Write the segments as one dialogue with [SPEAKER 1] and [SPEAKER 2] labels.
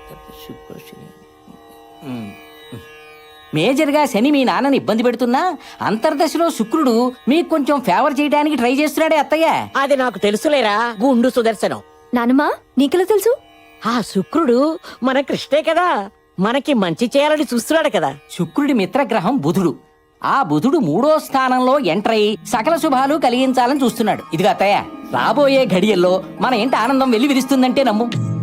[SPEAKER 1] మేజర్గా శని మీ నాన్నని ఇబ్బంది పెడుతున్నా అంతర్దశలో శుక్రుడు మీకు కొంచెం ఫేవర్ చేయడానికి ట్రై చేస్తున్నాడే అత్తయ్య.
[SPEAKER 2] అది నాకు తెలుసులేరా గుండు సుదర్శనం.
[SPEAKER 3] నానమ్మా నీకెలా తెలుసు?
[SPEAKER 2] ఆ శుక్రుడు మన కృష్ణే కదా, మనకి మంచి చేయాలని చూస్తున్నాడు కదా.
[SPEAKER 1] శుక్రుడి మిత్రగ్రహం బుధుడు. ఆ బుధుడు 3వ స్థానంలో ఎంటర్ అయి సకల శుభాలు కలిగించాలని చూస్తున్నాడు. ఇదిగా అత్తయ్య, రాబోయే ఘడియల్లో మన ఇంటి ఆనందం వెళ్లి విరుస్తుందంటే నమ్ము.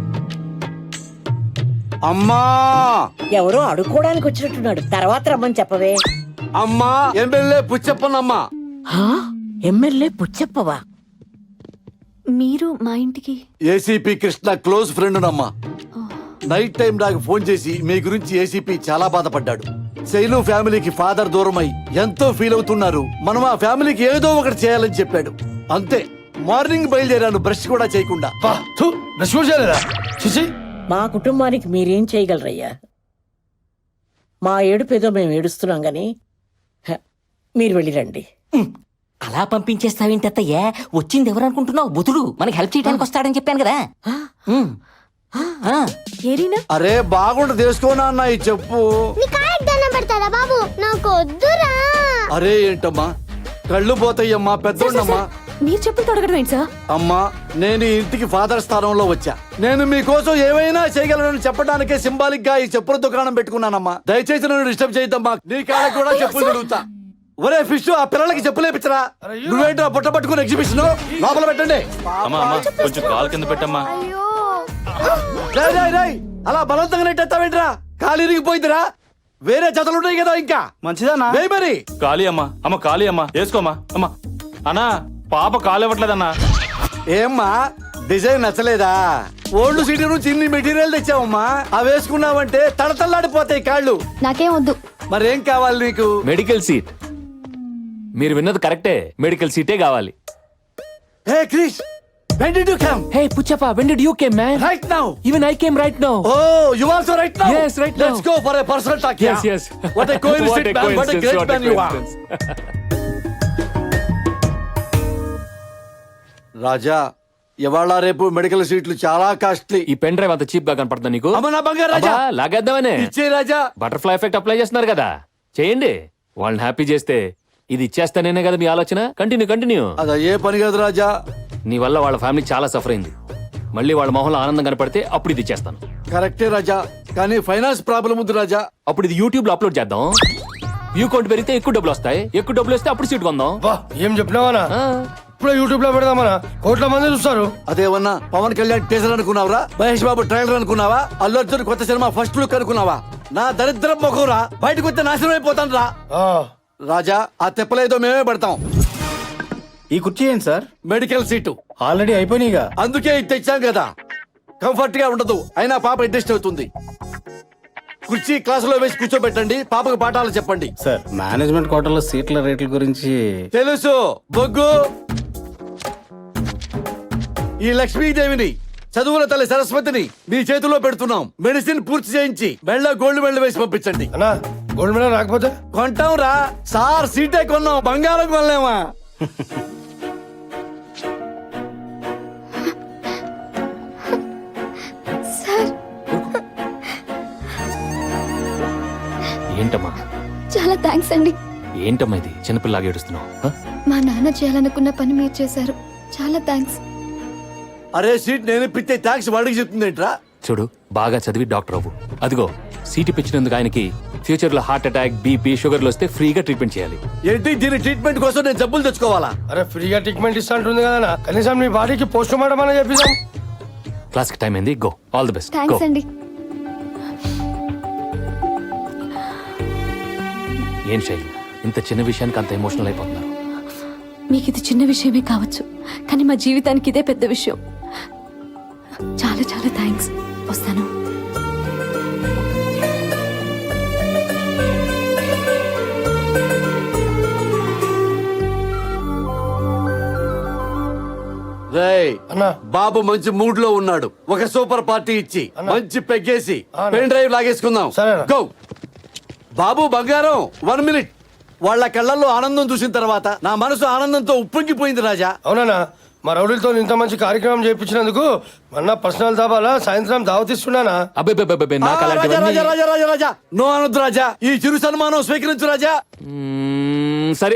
[SPEAKER 4] అమ్మా
[SPEAKER 2] ఎవరో అడుక్కోడానికి వచ్చినట్టున్నాడు, తర్వాత రమ్మని చెప్పవే.
[SPEAKER 4] అమ్మా ఎమ్మెల్యే పుచ్చప్పనమ్మా.
[SPEAKER 2] హా? ఎమ్మెల్యే పుచ్చప్పవా?
[SPEAKER 3] మీరు మా ఇంటికి?
[SPEAKER 4] ఏసీపీ కృష్ణ క్లోజ్ ఫ్రెండ్ నమ్మా. నైట్ టైం నాకు ఫోన్ చేసి మీ గురించి ఏసీపీ చాలా బాధపడ్డాడు. శైలు ఫ్యామిలీకి ఫాదర్ దూరమై ఎంతో ఫీల్ అవుతున్నారు, మనం ఆ ఫ్యామిలీకి ఏదో ఒకటి చేయాలని చెప్పాడు. అంతే, మార్నింగ్ బయలుదేరాను బ్రష్ కూడా చేయకుండా.
[SPEAKER 2] మా కుటుంబానికి మీరేం చేయగలరయ్యా? మా ఏడుపేదో మేము ఏడుస్తున్నాం గాని మీరు వెళ్ళిరండి.
[SPEAKER 1] అలా పంపించేస్తావేంటి అత్తయ్య? వచ్చింది ఎవరనుకుంటున్నావు? బుధుడు మనకి హెల్ప్ చేయడానికి వస్తాడని చెప్పాను కదా.
[SPEAKER 3] ఏరీనా?
[SPEAKER 4] అరే బాగుంట తెలుసుకోనా అన్న ఈ చెప్పు.
[SPEAKER 5] బాబు నాకు వద్దురా.
[SPEAKER 4] అరే ఏంటమ్మా, కళ్ళు పోతాయమ్మా, పెద్దోళ్ళమ్మా.
[SPEAKER 3] మీరు చెప్పులు తొడగడం ఏంటి సార్?
[SPEAKER 4] అమ్మా, నేను ఈ ఇంటికి ఫాదర్ స్థానంలో వచ్చా. నేను మీకోసం ఏమైనా చేయగలనని చెప్పడానికే సింబాలిక్ గా ఈ చెప్పుల దుకాణం పెట్టుకున్నానమ్మా. దయచేసి నన్ను డిస్టర్బ్ చేయద్దమ్మా. నీ కాళ్ళకి కూడా చెప్పులు తిరుగుతా. ఒరే ఫిష్, ఆ పిల్లలకి చెప్పులేపించరా. నువ్వేంటో బుట్ట పట్టుకుని ఎగ్జిబిషన్ లోపల పెట్టండి.
[SPEAKER 6] కొంచెం కాలు కింద పెట్టమ్మా.
[SPEAKER 4] అలా బలవంతంగా నెట్టేస్తావేంట్రా? కాలు ఇరిగిపోయిందిరా. వేరే జతలు ఉన్నాయి కదా ఇంకా.
[SPEAKER 6] మంచిదన్నా
[SPEAKER 4] మరి
[SPEAKER 6] ఖాళీ అమ్మా. అమ్మ ఖాళీ అమ్మా, వేసుకోమ్మా. అమ్మా అన్నా, పాప కాలు ఇవ్వట్లేదన్నా.
[SPEAKER 4] ఏమ్మా, డిజైన్ నచ్చలేదా? ఓల్డ్ సిటీ నుంచి ఇన్ని మెటీరియల్ తెచ్చావమ్మా. అవి వేసుకున్నావంటే తడతల్లాడిపోతాయి కాళ్ళు.
[SPEAKER 3] నాకేం వద్దు.
[SPEAKER 4] మరేం కావాలి నీకు?
[SPEAKER 7] Medical seat. మీరు విన్నది కరెక్టే, మెడికల్ సీటే కావాలి.
[SPEAKER 4] హే Krish, when did you come?
[SPEAKER 7] Hey Puchappa, when did you came, man?
[SPEAKER 4] Right now.
[SPEAKER 7] Even I came right now.
[SPEAKER 4] Oh, you also right now?
[SPEAKER 7] Yes, right now.
[SPEAKER 4] Let's go for a personal talk.
[SPEAKER 7] Yes,
[SPEAKER 4] yeah?
[SPEAKER 7] yes.
[SPEAKER 4] What a coincidence, man. What a great man you are. రాజా, ఇవాళ రేపు medical సీట్లు చాలా costly.
[SPEAKER 7] ఈ pen drive అంత cheap గా కనపడుతుందా నీకు?
[SPEAKER 4] అమ్మ నా బంగారు రాజా,
[SPEAKER 7] అబ్బా, లాగేద్దామనే.
[SPEAKER 4] ఇచ్చే రాజా.
[SPEAKER 7] బటర్ఫ్లై ఎఫెక్ట్ అప్లై చేస్తున్నారు కదా, చేయండి. వాళ్ళని హ్యాపీ చేస్తే ఇది ఇచ్చేస్తానేనే కదా మీ ఆలోచన. కంటిన్యూ.
[SPEAKER 4] అదా ఏ పని కాదు రాజా.
[SPEAKER 7] నీ వల్ల వాళ్ళ ఫ్యామిలీ చాలా సఫర్ అయింది. మళ్ళీ వాళ్ళ మొహంలో ఆనందం కనపడితే అప్పుడు ఇది ఇచ్చేస్తాను.
[SPEAKER 4] కరెక్టే రాజా, కానీ ఫైనాన్స్ ప్రాబ్లం ఉంది రాజా.
[SPEAKER 7] అప్పుడు ఇది యూట్యూబ్ లో అప్లోడ్ చేద్దాం. వ్యూ కౌంట్ పెరిగితే ఎక్కువ డబ్బులు వస్తాయి. ఎక్కువ డబ్బులు వస్తే అప్పుడు సీట్ కొందాం.
[SPEAKER 8] ఏం చెప్పినావా? ఇప్పుడు యూట్యూబ్ లో పెడదామనా? కోట్ల మంది చూస్తారు.
[SPEAKER 4] అదేమన్నా పవన్ కళ్యాణ్ టీజర్ అనుకున్నావరా? మహేష్ బాబు ట్రైలర్ అనుకున్నావా? అల్లు అర్జున్ కొత్త సినిమా ఫస్ట్ లుక్ అనుకున్నావా? నా దరిద్రం మొఖంరా, బయటకు వస్తే నాశనం అయిపోతాను రా. రాజా, ఆ తెప్పలేదో మేమే పడతాం.
[SPEAKER 8] ఈ కుర్చీ ఏంటి సార్?
[SPEAKER 4] మెడికల్ సీటు
[SPEAKER 8] ఆల్రెడీ అయిపోయినాయిగా.
[SPEAKER 4] అందుకే ఇది తెచ్చాం కదా. కంఫర్ట్ గా ఉండదు, అయినా పాప అడ్జస్ట్ అవుతుంది. కుర్చీ క్లాసులో వేసి కూర్చోబెట్టండి, పాపకు పాఠాలు చెప్పండి.
[SPEAKER 8] సార్, మేనేజ్మెంట్ కోటాలో సీట్ల రేట్ల గురించి
[SPEAKER 4] తెలుసు బొగ్గు. ఈ లక్ష్మీదేవిని, చదువుల తల్లి సరస్వతిని మీ చేతిలో పెడుతున్నాం. మెడిసిన్ పూర్తి చేయించి మెళ్ళ గోల్డ్ మెడల్ వేసి పంపించండి.
[SPEAKER 8] అన్నా, గోల్డ్ మెడల్ రాకపోతే
[SPEAKER 4] కొంటాం రా సార్. సీటే కొన్నాం, బంగారం కొనలేమా?
[SPEAKER 7] ఏంటమ్మా?
[SPEAKER 3] చాలా థ్యాంక్స్ అండి.
[SPEAKER 7] ఏంటమ్మా ఇది చిన్నపిల్లలాగా ఏడుస్తున్నావు?
[SPEAKER 3] మా నాన్న చేయాలనుకున్న పని మీరు చేశారు. చాలా థ్యాంక్స్.
[SPEAKER 4] అరే సీట్ నేను ఇప్పితే థ్యాంక్స్ వాడికి చెప్తుందేంట్రా?
[SPEAKER 7] చూడు, బాగా చదివి డాక్టర్ అవ్వు. అదిగో సీట్ ఇప్పించినందుకు ఆయనకి ఫ్యూచర్ లో హార్ట్ అటాక్, బీపీ, షుగర్లు వస్తే ఫ్రీగా ట్రీట్మెంట్ చేయాలి.
[SPEAKER 4] ఏంటి దీని ట్రీట్మెంట్ కోసం నేను జబ్బులు తెచ్చుకోవాలా?
[SPEAKER 8] అరే ఫ్రీగా ట్రీట్మెంట్ ఇస్తా ఉంటుంది కదా, కనీసం మీ బాడీకి పోస్ట్ మార్టం అని చెప్పిద్దాం.
[SPEAKER 7] క్లాస్ కి టైం అయింది, go. All the best.
[SPEAKER 3] Thanks అండి.
[SPEAKER 7] ఏం శైలి, ఇంత చిన్న విషయానికి అంత ఎమోషనల్ అయిపోతున్నారు?
[SPEAKER 3] మీకు ఇది చిన్న విషయమే కావచ్చు, కానీ మా జీవితానికి ఇదే పెద్ద విషయం. చాలా చాలా థ్యాంక్స్. వస్తాను.
[SPEAKER 4] బాబు మంచి మూడ్ లో ఉన్నాడు. ఒక సూపర్ పార్టీ ఇచ్చి మంచి పెగ్గేసి పెన్ డ్రైవ్ లాగేసుకుందాం. గో. బాబు బంగారం, 1 మినిట్. వాళ్ళ కళ్ళల్లో ఆనందం చూసిన తర్వాత నా మనసు ఆనందంతో ఉప్పొంగిపోయింది రాజా.
[SPEAKER 8] అవునా? మా రౌడీలతో ఇంత మంచి కార్యక్రమం చేయించినందుకు మొన్న పర్సనల్ దాబాలా సాయంత్రం దావతిస్తున్నానా?
[SPEAKER 7] అబ్బే నాకు
[SPEAKER 4] రాజా
[SPEAKER 7] అలాంటివన్నీ
[SPEAKER 4] రాజా రాజా రాజా రాజా నో అనొద్దు రాజా, ఈ చిరు సన్మానం స్వీకరించు రాజా.
[SPEAKER 7] సరే.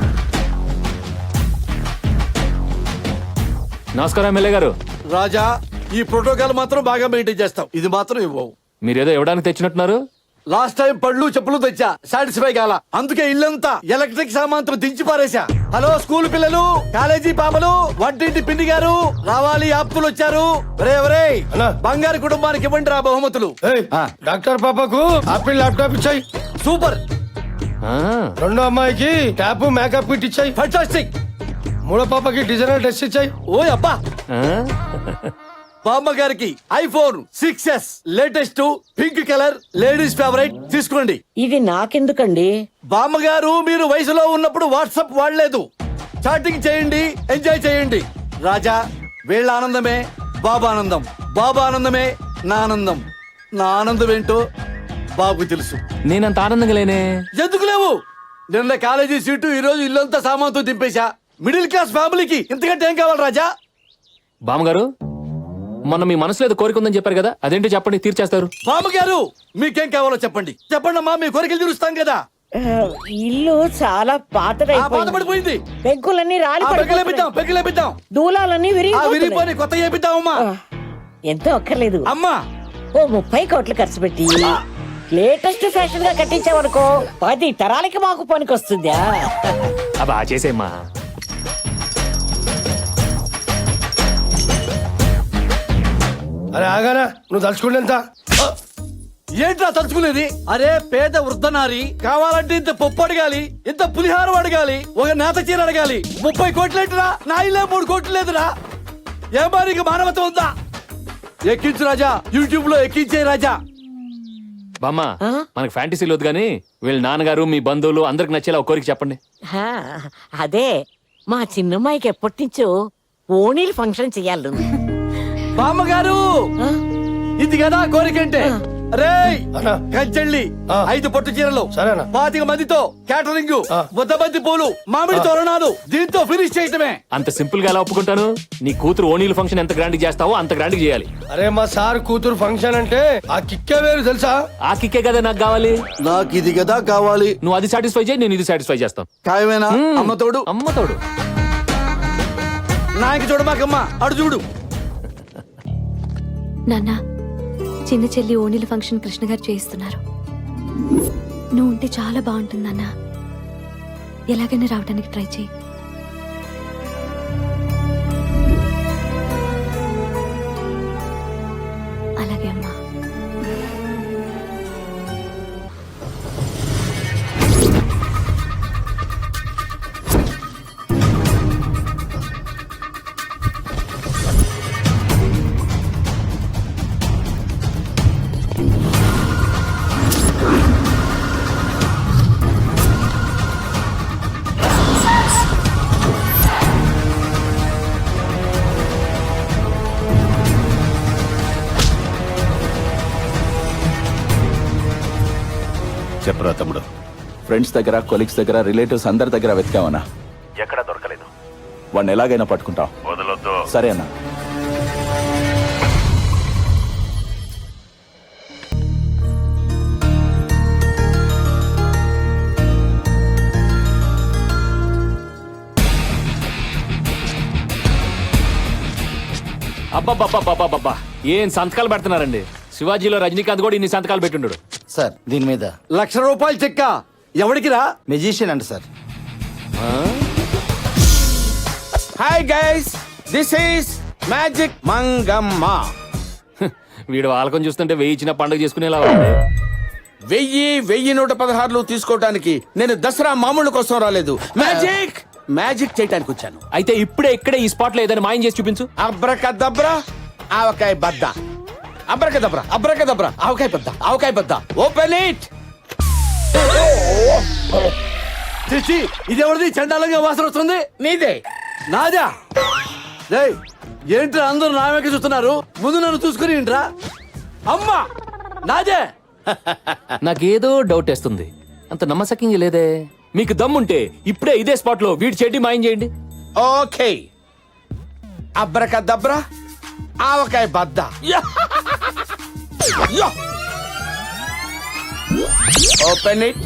[SPEAKER 7] నమస్కారం ఎమ్మెల్యే గారు.
[SPEAKER 4] రాజా ఈ ప్రోటోకాల్ మాత్రం బాగా మెయింటైన్ చేస్తాం, ఇది మాత్రం ఇవ్వవు.
[SPEAKER 7] మీరేదో ఇవ్వడానికి తెచ్చినట్టున్నారు.
[SPEAKER 4] లాస్ట్ టైం పళ్ళు చెప్పులు తెచ్చా, సాటిస్ఫై కాల, అందుకే ఇల్లంతా ఎలక్ట్రిక్ సామాన్తో దించి పారేశా. హలో స్కూల్ పిల్లలు, కాలేజీ పాపలు, వంటింటి పిండి గారు రావాలి, ఆప్తులు వచ్చారు. ఒరే
[SPEAKER 8] అన్నా.
[SPEAKER 4] బంగారు కుటుంబానికి ఇవ్వండి రా బహుమతులు.
[SPEAKER 8] ఏయ్, డాక్టర్ పాపకు ఆపిల్ ల్యాప్టాప్ ఇచ్చాయి.
[SPEAKER 4] సూపర్,
[SPEAKER 7] ఆ,
[SPEAKER 8] రెండో అమ్మాయికి ట్యాప్ మేకప్ కిట్ ఇచ్చాయి.
[SPEAKER 4] ఫంటాస్టిక్.
[SPEAKER 8] మూడో పాపకి డిజైనర్ డ్రెస్ ఇచ్చాయి.
[SPEAKER 4] ఓ అబ్బా.
[SPEAKER 7] ఆ?
[SPEAKER 4] బామ్మ గారికి iPhone 6s latest pink colour ladies favourite తీసుకోండి.
[SPEAKER 2] ఇది నాకెందుకండి?
[SPEAKER 4] బామ్మగారు మీరు వయసులో ఉన్నప్పుడు వాట్సాప్ వాడలేదు, చాటింగ్ చేయండి, ఎంజాయ్ చేయండి. రాజా వీళ్ళ ఆనందమే బాబా ఆనందం, బాబా ఆనందమే నా ఆనందం. నా ఆనందం ఏంటో బాబుకు తెలుసు.
[SPEAKER 7] నేనంత ఆనందంగా లేనే.
[SPEAKER 4] ఎందుకు లేవు? నిన్న కాలేజీ సీటు, ఈ రోజు ఇల్లంతా సామాన్తో దింపేశా. మిడిల్ క్లాస్ ఫ్యామిలీకి ఇంతకంటే ఏం కావాలి రాజా?
[SPEAKER 7] బామ్మగారు, మొన్న మీ మనసులో ఏదో కోరిక ఉందని చెప్పారు కదా, అదేంటో చెప్పండి, తీర్చేస్తారు.
[SPEAKER 4] బామ్మగారు మీకేం కావాలో చెప్పండి, చెప్పండి అమ్మా, మీ కోరికలు తీరుస్తాం కదా.
[SPEAKER 2] ఇల్లు చాలా
[SPEAKER 4] బాధపడిపోయింది,
[SPEAKER 2] పెంకులన్నీ రాలి
[SPEAKER 4] పెగ్గులేపిద్దాం, పెగ్గులేపిద్దాం,
[SPEAKER 2] దూలాలన్నీ
[SPEAKER 4] విరిగిపోయి కొత్త చేపిద్దాం. అమ్మా
[SPEAKER 2] ఎంతో అక్కర్లేదు.
[SPEAKER 4] అమ్మా
[SPEAKER 2] ఓ 30 కోట్లు ఖర్చు పెట్టి లేటెస్ట్ ఫ్యాషన్ గా కట్టించావనుకో 10 తరాలకి మాకు పనికొస్తుందా?
[SPEAKER 7] అబ్బా చేసేమ్మా.
[SPEAKER 8] అరే ఆగానా, నువ్వు తలుచుకుంటే
[SPEAKER 4] ఏంట్రా తలుచుకునేది? అరే పేద వృద్ధనారి కావాలంటే ఇంత పప్పు అడగాలి, ఇంత పులిహారం అడగాలి, ఒక నేత చీర అడగాలి. 30 కోట్లేంటిరా? నా ఇల్లే 3 కోట్లు లేదురా. ఏ మారికి మానవత ఉందా? ఎక్కించు రాజా, యూట్యూబ్ లో ఎక్కించే రాజా.
[SPEAKER 7] బామ్మ, మనకు ఫ్యాంటసీలు వద్దు కానీ వీళ్ళ నాన్నగారు మీ బంధువులు అందరికి నచ్చేలా ఒక కోరిక చెప్పండి.
[SPEAKER 2] హా, అదే మా చిన్నమ్మాయికి ఎప్పటి నుంచో ఓణీలు ఫంక్షన్ చెయ్యాలి.
[SPEAKER 4] బామ్మగారు ఇది కదా కోరికంటే. రే
[SPEAKER 8] అన్నా.
[SPEAKER 4] కంచెళ్ళి
[SPEAKER 8] ఆ.
[SPEAKER 4] 5 పట్టు చీరలు,
[SPEAKER 8] సరేనా.
[SPEAKER 4] 25 మందితో క్యాటరింగ్,
[SPEAKER 8] ఆ.
[SPEAKER 4] 100 బంతి పూలు, మామిడి తోరణాలు, దీంతో ఫినిష్ చేయటమే.
[SPEAKER 7] అంత సింపుల్ గా ఎలా ఒప్పుకుంటాను? నీ కూతురు ఓణీల ఫంక్షన్ ఎంత గ్రాండ్ చేస్తావో అంత గ్రాండ్ చేయాలి.
[SPEAKER 8] అరే మా సార్ కూతురు ఫంక్షన్ అంటే ఆ కిక్కే వేరు తెలుసా?
[SPEAKER 7] ఆ కిక్కే కదా నాకు కావాలి.
[SPEAKER 4] నాకు ఇది కదా కావాలి.
[SPEAKER 7] నువ్వు అది సాటిస్ఫై చేయి, నేను ఇది సాటిస్ఫై చేస్తాను.
[SPEAKER 4] ఖాయమేనా? అమ్మ తోడు,
[SPEAKER 7] అమ్మ తోడు.
[SPEAKER 4] నాయకి చూడమాకమ్మ, అడు చూడు.
[SPEAKER 3] నాన్న, చిన్న చెల్లి ఓణీల ఫంక్షన్ కృష్ణ గారు చేయిస్తున్నారు. నువ్వు ఉంటే చాలా బాగుంటుంది నాన్న. ఎలాగైనా రావడానికి ట్రై చేయి. అలాగే అమ్మా.
[SPEAKER 9] చెప్పరా తమ్ముడు, ఫ్రెండ్స్ దగ్గర, కొలీగ్స్ దగ్గర, రిలేటివ్స్ అందరి దగ్గర వెతికావనా?
[SPEAKER 10] ఎక్కడా దొరకలేదు.
[SPEAKER 9] వాడిని ఎలాగైనా పట్టుకుంటాం.
[SPEAKER 10] వదలొద్దు.
[SPEAKER 9] సరే అన్నా.
[SPEAKER 7] అబ్బబ్బబ్బబ్బబ్బబ్బా, ఏం సంతకాలు పెడుతున్నారండి. శివాజీలో రజనీకాంత్ కూడా ఇన్ని సంతకాలు పెట్టుండడు.
[SPEAKER 11] సార్ దీని మీద
[SPEAKER 4] ₹1,00,000 చెక్క ఎవడికి రా?
[SPEAKER 11] మెజిషియన్ అంట sir.
[SPEAKER 9] Hi guys, this is magic Mangamma.
[SPEAKER 7] వీడు వాళ్ళకం చూస్తుంటే వెయ్యి ఇచ్చిన పండుగ చేసుకునేలా ఉంది.
[SPEAKER 9] 1000 తీసుకోవడానికి నేను దసరా మామూలు కోసం రాలేదు, మ్యాజిక్ చేయడానికి వచ్చాను.
[SPEAKER 7] అయితే ఇప్పుడే ఇక్కడే ఈ స్పాట్ లో ఏదైనా మాయం చేసి చూపించు.
[SPEAKER 9] అబ్రకదబ్రా ఆవకాయ బద్ద, అబ్రకదబ్రా అబ్రకదబ్రా ఆవకాయ బద్ద, ఓపెన్ ఇట్.
[SPEAKER 4] చిచ్చి, ఇది ఎవరిది? చండాలంగా వాసన వస్తుంది.
[SPEAKER 9] నీదే.
[SPEAKER 4] నాదా? రేయ్ ఏంట్రా అందరూ నా వెనక చూస్తున్నారు? ముందు నన్ను చూసుకుని ఏంట్రా? అమ్మా నాదే.
[SPEAKER 7] నాకేదో డౌట్ వేస్తుంది, అంత నమ్మసక్యంగా లేదే. మీకు దమ్ముంటే ఇప్పుడే ఇదే స్పాట్ లో వీడి చెడ్డి మాయం చేయండి.
[SPEAKER 9] ఓకే,
[SPEAKER 11] అబ్రకదబ్రా ఆవకాయ బద్ద ఓపెన్ ఇట్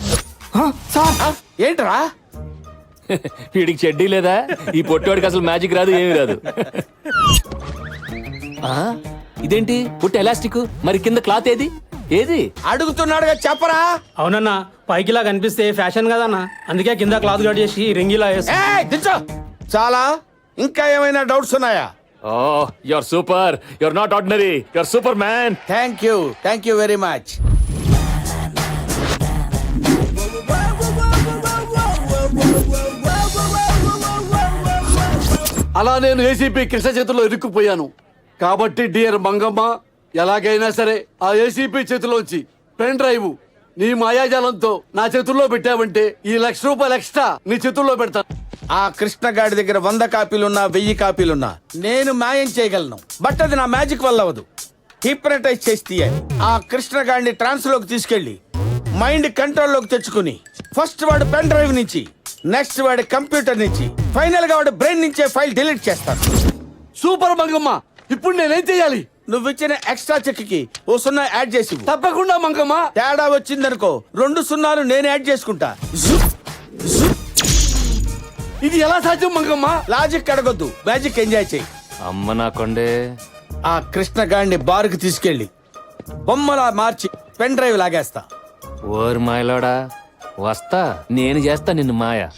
[SPEAKER 11] ఏంట్రా
[SPEAKER 7] వీడికి చెడ్డీ లేదా? ఈ పొట్టోడికి అసలు మ్యాజిక్ రాదు, ఏమీ రాదు. ఆ, ఇదేంటి పుట్ట ఎలాస్టిక్, మరి కింద క్లాత్ ఏది? ఏది?
[SPEAKER 11] అడుగుతున్నాడుగా చెప్పరా.
[SPEAKER 6] అవునన్నా, పైకిలా కనిపిస్తే ఫ్యాషన్ కదన్నా, అందుకే కింద క్లాత్ కట్ చేసి రింగిలా వేసి.
[SPEAKER 11] ఏయ్, దించో. చాలా ఇంకా ఏమైనా డౌట్స్ ఉన్నాయా?
[SPEAKER 7] Oh, your super, your not ordinary, your superman.
[SPEAKER 11] Thank you very much.
[SPEAKER 4] అలా నేను ఏసీపీ కృష్ణ చేతిలో ఇరుక్కుపోయాను కాబట్టి డియర్ మంగమ్మ, ఎలాగైనా సరే ఆ ఏసీపీ చేతిలోంచి పెన్ డ్రైవ్ నీ మాయాజాలంతో నా చేతుల్లో పెట్టావంటే ఈ ₹1,00,000 ఎక్స్ట్రా నీ చేతుల్లో పెడతాను.
[SPEAKER 11] ఆ కృష్ణగాడి దగ్గర 100 కాపీలున్నా 1000 కాపీలున్నా నేను మాయం చేయగలను. బట్ అది నా మ్యాజిక్ వల్ల అవ్వదు. హిప్నటైజ్ చేసి తీయాలి. ఆ కృష్ణగాడిని ట్రాన్స్ లోకి తీసుకెళ్లి మైండ్ కంట్రోల్ లోకి తెచ్చుకుని ఫస్ట్ వాడు పెన్ డ్రైవ్ నుంచి, నెక్స్ట్ వాడి కంప్యూటర్ నుంచి, ఫైనల్ గా వాడి బ్రెయిన్ నుంచే ఫైల్ డిలీట్ చేస్తాను.
[SPEAKER 4] సూపర్ మంగమ్మ, ఇప్పుడు నేనేం చేయాలి?
[SPEAKER 11] నువ్వు ఇచ్చిన ఎక్స్ట్రా చెక్ కి ఓ 0 యాడ్ చేసి ఇవ్వు.
[SPEAKER 4] తప్పకుండా మంగమ్మ.
[SPEAKER 11] తేడా వచ్చిందనుకో 2 0 నేను యాడ్ చేసుకుంటా.
[SPEAKER 4] ఇది ఎలా సాధ్యం మంగమ్మ?
[SPEAKER 11] లాజిక్ అడగొద్దు, మ్యాజిక్ ఎంజాయ్ చేయి.
[SPEAKER 7] అమ్మ నా కొండే.
[SPEAKER 11] ఆ కృష్ణగాడిని బార్కు తీసుకెళ్లి బొమ్మలా మార్చి పెన్ డ్రైవ్ లాగేస్తా.
[SPEAKER 7] ఓర్ మాయలోడా, వస్తా, నేను చేస్తా నిన్ను మాయ.